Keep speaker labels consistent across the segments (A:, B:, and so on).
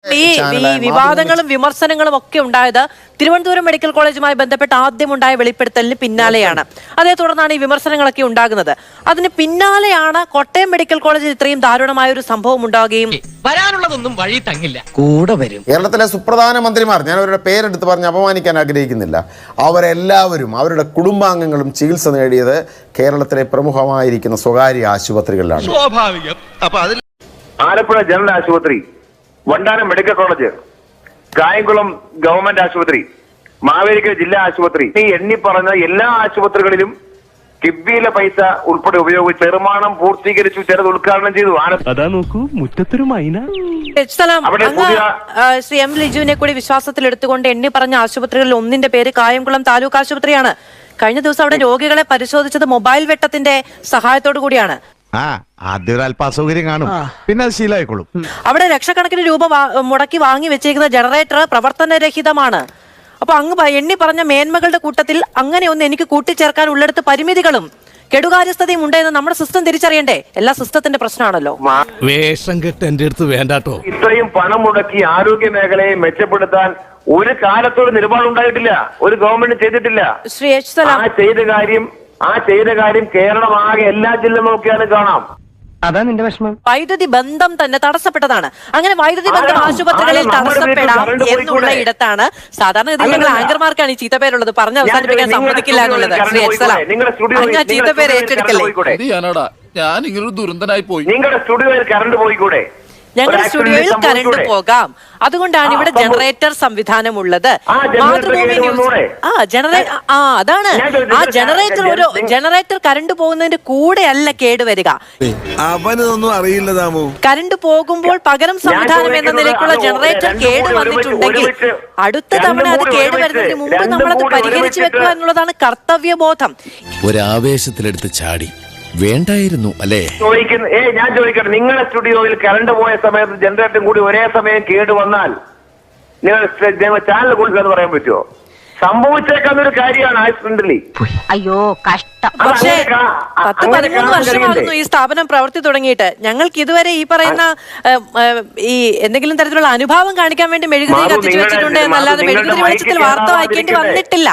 A: ഈ വിവാദങ്ങളും വിമർശനങ്ങളും ഒക്കെ ഉണ്ടായത് തിരുവനന്തപുരം മെഡിക്കൽ കോളേജുമായി ബന്ധപ്പെട്ട് ആദ്യമുണ്ടായ വെളിപ്പെടുത്തലിന് പിന്നാലെയാണ്. അതേ തുടർന്നാണ് ഈ വിമർശനങ്ങളൊക്കെ ഉണ്ടാകുന്നത്. അതിന് പിന്നാലെയാണ് കോട്ടയം മെഡിക്കൽ കോളേജിൽ ഇത്രയും ദാരുണമായ ഒരു സംഭവം ഉണ്ടാവുകയും
B: വരാനുള്ളതൊന്നും വഴി തങ്ങില്ല, കൂടെ വരും.
C: കേരളത്തിലെ സുപ്രധാന മന്ത്രിമാർ, ഞാൻ അവരുടെ പേരെടുത്ത് പറഞ്ഞ് അപമാനിക്കാൻ ആഗ്രഹിക്കുന്നില്ല, അവരെല്ലാവരും അവരുടെ കുടുംബാംഗങ്ങളും ചികിത്സ നേടിയത് കേരളത്തിലെ പ്രമുഖമായിരിക്കുന്ന സ്വകാര്യ ആശുപത്രികളിലാണ്.
B: സ്വാഭാവികം. അപ്പൊ അതിൽ
D: ആലപ്പുഴ ജനറൽ ആശുപത്രി, Vandanam medical college, Kayamkulam government ആശുപത്രി, മാവേലിക്കര ജില്ലാ ആശുപത്രി, ഈ എണ്ണി പറഞ്ഞ എല്ലാ ആശുപത്രികളിലും കിബിയിലെ പൈസ ഉൾപ്പെടെ ഉപയോഗിച്ച് നിർമ്മാണം പൂർത്തീകരിച്ചു, ചിലത് ഉദ്ഘാടനം ചെയ്തു.
E: അതാ നോക്കൂ, മുറ്റത്തൊരു മൈന.
A: ശ്രീ എം ലിജുവിനെ കൂടി വിശ്വാസത്തിൽ എടുത്തുകൊണ്ട് എണ്ണി പറഞ്ഞ ആശുപത്രികളിൽ ഒന്നിന്റെ പേര് കായംകുളം താലൂക്ക് ആശുപത്രിയാണ്. കഴിഞ്ഞ ദിവസം അവിടെ രോഗികളെ പരിശോധിച്ചത് മൊബൈൽ വെട്ടത്തിന്റെ സഹായത്തോടു കൂടിയാണ്.
F: ആദ്യം അല്പ അസൗകര്യം കാണും, പിന്നെ അത് ശീലമായിക്കോളും.
A: അവിടെ ലക്ഷക്കണക്കിന് രൂപ മുടക്കി വാങ്ങി വെച്ചിരിക്കുന്ന ജനറേറ്റർ പ്രവർത്തനരഹിതമാണ്. അപ്പൊ അങ്ങ് എണ്ണി പറഞ്ഞ മേന്മകളുടെ കൂട്ടത്തിൽ അങ്ങനെ ഒന്ന് എനിക്ക് കൂട്ടിച്ചേർക്കാൻ ഉള്ളിടത്ത് പരിമിതികളും കെടുകാര്യസ്ഥതയും ഉണ്ടെന്ന് നമ്മുടെ സിസ്റ്റം തിരിച്ചറിയണ്ടേ? എല്ലാ സിസ്റ്റത്തിന്റെ പ്രശ്നമാണല്ലോ.
E: വേഷം കെട്ട് എന്റെ അടുത്ത് വേണ്ടാട്ടോ.
D: ഇത്രയും പണം മുടക്കി ആരോഗ്യ മേഖലയെ മെച്ചപ്പെടുത്താൻ ഒരു കാലത്തൊരു നിലപാട് ഉണ്ടായിട്ടില്ല, ഒരു ഗവൺമെന്റ് ചെയ്തിട്ടില്ല.
A: ശ്രീ എച്ച് സലാം,
D: ആ ചെയ്ത കാര്യം കേരളമാകെ എല്ലാ ജില്ല നോക്കിയാലും കാണാം.
B: അതാ നിന്റെ വിഷമം.
A: വൈദ്യുതി ബന്ധം തന്നെ തടസ്സപ്പെട്ടതാണ്. അങ്ങനെ വൈദ്യുതി ബന്ധം ആശുപത്രികളിൽ തടസ്സപ്പെടാം എന്നുള്ള ഇടത്താണ് സാധാരണ ഗതിയിൽ ഞങ്ങൾ ആങ്കർമാർക്കാണ് ഈ ചീത്തപ്പേരുള്ളത്. പറഞ്ഞ് അവസാനിപ്പിക്കാൻ സമ്മതിക്കില്ല എന്നുള്ളത്. ശ്രീ എച്ച് സലാം, അങ്ങ് ചീത്തപ്പേര് ഏറ്റെടുക്കല്ലേ?
G: ഞാൻ ഇങ്ങനൊരു ദുരന്തനായി പോയി.
D: നിങ്ങളുടെ സ്റ്റുഡിയോയിൽ കറണ്ട് പോയിക്കൂടെ?
A: ഞങ്ങളുടെ സ്റ്റുഡിയോയിൽ കറണ്ട് പോകാം, അതുകൊണ്ടാണ് ഇവിടെ ജനറേറ്റർ സംവിധാനം ഉള്ളത്. മാതൃഭൂമി ന്യൂസ് അതാണ് ആ ജനറേറ്റർ കറണ്ട് പോകുന്നതിന്റെ കൂടെ അല്ല കേടുവരിക.
F: അവനൊന്നും അറിയില്ല താമോ.
A: കറണ്ട് പോകുമ്പോൾ പകരം സംവിധാനം എന്ന നിലയ്ക്കുള്ള ജനറേറ്റർ കേട് വന്നിട്ടുണ്ടെങ്കിൽ അടുത്ത തവണ അത് കേടുവരുന്നതിന് മുമ്പ് നമ്മളത് പരിഹരിച്ചു വെക്കുക എന്നുള്ളതാണ് കർത്തവ്യബോധം.
H: ഒരാവേശത്തിലെടുത്ത് ചാടി വേണ്ടായിരുന്നു അല്ലേ?
D: ഞാൻ ചോദിക്കട്ടെ, നിങ്ങളുടെ സ്റ്റുഡിയോയിൽ കറണ്ട് പോയ സമയത്ത് ജനറേറ്ററും കൂടി ഒരേ സമയം കേട് വന്നാൽ നിങ്ങൾ ചാനൽ കൊടുക്കാന്ന് പറയാൻ പറ്റുമോ? സംഭവിച്ചേക്കാന്നൊരു കാര്യമാണ് ആക്സിഡന്റലി.
I: അയ്യോ കഷ്ടം.
A: പക്ഷേ 10-13 വർഷമാകുന്നു ഈ സ്ഥാപനം പ്രവർത്തി തുടങ്ങിയിട്ട്. ഞങ്ങൾക്ക് ഇതുവരെ ഈ പറയുന്ന ഈ എന്തെങ്കിലും തരത്തിലുള്ള അനുഭാവം കാണിക്കാൻ വേണ്ടി മെഴുകുതിരി കത്തിച്ചു വെച്ചിട്ടുണ്ട് എന്നല്ലാതെ മെഴുകുതിരി വെളിച്ചത്തിൽ വാർത്ത വായിക്കേണ്ടി വന്നിട്ടില്ല.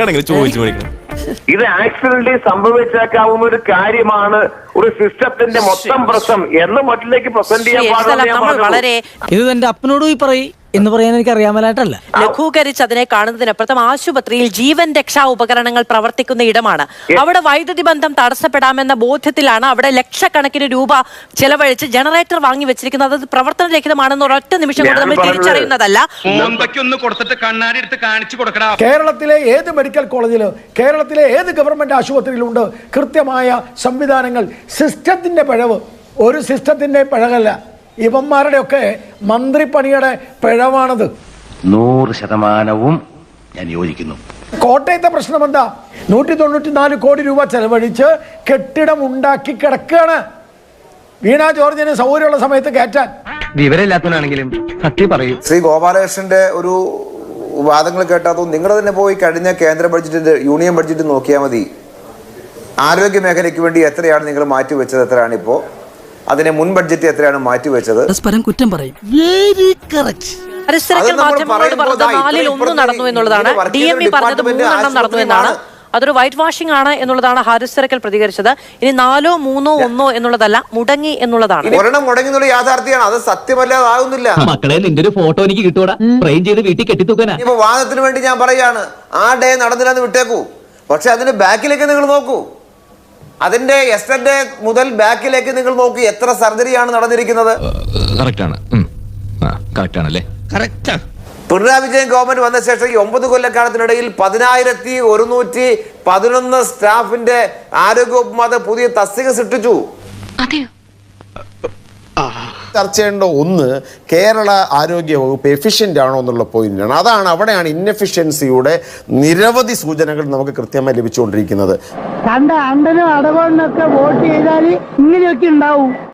D: ഇത് ആക്സിഡന്റലി സംഭവിച്ചേക്കാവുന്ന ഒരു കാര്യമാണ്, ഒരു സിസ്റ്റത്തിന്റെ മൊത്തം പ്രശ്നം എന്ന് മറ്റിലേക്ക് പ്രസന്റ് ചെയ്യാൻ പാടില്ല.
B: ഇത് എന്റെ അപ്പനോട് പോയി പറയും എന്ന് പറയാൻ എനിക്ക് അറിയാമലായിട്ടല്ല.
A: ലഘൂകരിച്ച് അതിനെ കാണുന്നതിനപ്പുറത്തും ആശുപത്രിയിൽ ജീവൻ രക്ഷാ ഉപകരണങ്ങൾ പ്രവർത്തിക്കുന്ന ഇടമാണ്. അവിടെ വൈദ്യുതി ബന്ധം തടസ്സപ്പെടാമെന്ന ബോധ്യത്തിലാണ് അവിടെ ലക്ഷക്കണക്കിന് രൂപ ചെലവഴിച്ച് ജനറേറ്റർ വാങ്ങി വെച്ചിരിക്കുന്നത്. അത് പ്രവർത്തനരഹിതമാണെന്ന് ഒരൊറ്റ നിമിഷം കൊണ്ട് നമ്മൾ തിരിച്ചറിയുന്നതല്ല.
J: കേരളത്തിലെ ഏത് മെഡിക്കൽ കോളേജിലോ കേരളത്തിലെ ഏത് ഗവൺമെന്റ് ആശുപത്രിയിലുണ്ട് കൃത്യമായ സംവിധാനങ്ങൾ. സിസ്റ്റത്തിന്റെ പിഴവ്, ഒരു സിസ്റ്റത്തിന്റെ പിഴവല്ല, ഇവന്മാരുടെ ഒക്കെ മന്ത്രിപ്പണിയുടെ പിഴവാണത്.
H: 100% ഞാൻ യോജിക്കുന്നു.
J: കോട്ടയത്തെ പ്രശ്നം എന്താ? 194 കോടി രൂപ ചെലവഴിച്ച് കെട്ടിടം ഉണ്ടാക്കി കിടക്കുകയാണ്. വീണ ജോർജിന് സൗകര്യമുള്ള സമയത്ത് കയറ്റാൻ.
B: വിവരമില്ലാത്തവനാണെങ്കിലും സത്യം പറയും.
C: ശ്രീ ഗോപാലകൃഷ്ണന്റെ ഒരു വാദങ്ങൾ കേട്ടാത്തോ നിങ്ങൾ തന്നെ പോയി കഴിഞ്ഞ കേന്ദ്ര ബഡ്ജറ്റ് യൂണിയൻ ബഡ്ജറ്റ് നോക്കിയാൽ മതി. ആരോഗ്യ മേഖലയ്ക്ക് വേണ്ടി എത്രയാണ് നിങ്ങൾ മാറ്റിവെച്ചത്, എത്രയാണ് ഇപ്പോൾ, അതിനെ മുൻ ബഡ്ജറ്റ് എത്രയാണ് മാറ്റിവെച്ചത്?
B: കുറ്റം പറയും.
A: മാധ്യമങ്ങളോട് പറഞ്ഞത് 4-1 നടന്നു എന്നുള്ളതാണ്. DME പറഞ്ഞത് 3 നടന്നു എന്നാണ്. അതൊരു വൈറ്റ് വാഷിംഗ് ആണ് എന്നുള്ളതാണ് ഹാരിസ് തിരക്കൽ പ്രതികരിച്ചത്. ഇനി 4, 3, 1 എന്നുള്ളതല്ല, മുടങ്ങി എന്നുള്ളതാണ്.
C: ഒരെണ്ണം മുടങ്ങി എന്നുള്ള യാഥാർത്ഥ്യമാണ്, അത് സത്യമല്ലാതാകുന്നില്ല.
B: മക്കളെ നിന്റെ ഒരു ഫോട്ടോ എനിക്ക് കിട്ടൂടാ, ഫ്രെയിം ചെയ്ത് വീട്ടിൽ കെട്ടിത്തൂക്കാനാ.
C: ഇപ്പൊ വാദത്തിന് വേണ്ടി ഞാൻ പറയാണ്, ആ ഡേ നടന്നില്ലെന്ന് വിട്ടേക്കൂ, പക്ഷെ അതിന്റെ ബാക്കിലേക്ക് നിങ്ങൾ നോക്കൂ. അതിന്റെ യെസ്റ്റർഡേ മുതൽ ബാക്കിലേക്ക് നിങ്ങൾ നോക്കൂ, എത്ര സർജറിയാണ് നടന്നിരിക്കുന്നത്. പിണറായി വിജയൻ ഗവൺമെന്റ് വന്ന ശേഷം ഈ 9 കൊല്ലക്കാലത്തിനിടയിൽ 10,111 സ്റ്റാഫിന്റെ ആരോഗ്യവകുപ്പ് പുതിയ തസ്തിക സൃഷ്ടിച്ചു. ചർച്ച ചെയ്യേണ്ട ഒന്ന്, കേരള ആരോഗ്യ വകുപ്പ് എഫിഷ്യന്റ് ആണോ എന്നുള്ള പോയിന്റാണ്. അവിടെയാണ് ഇൻഎഫിഷ്യൻസിയുടെ നിരവധി സൂചനകൾ നമുക്ക് കൃത്യമായി ലഭിച്ചുകൊണ്ടിരിക്കുന്നത്.
I: കണ്ട അണ്ടനും അടവണ്ണൊക്കെ വോട്ട് ചെയ്താൽ ഇങ്ങനെയൊക്കെ ഉണ്ടാവും.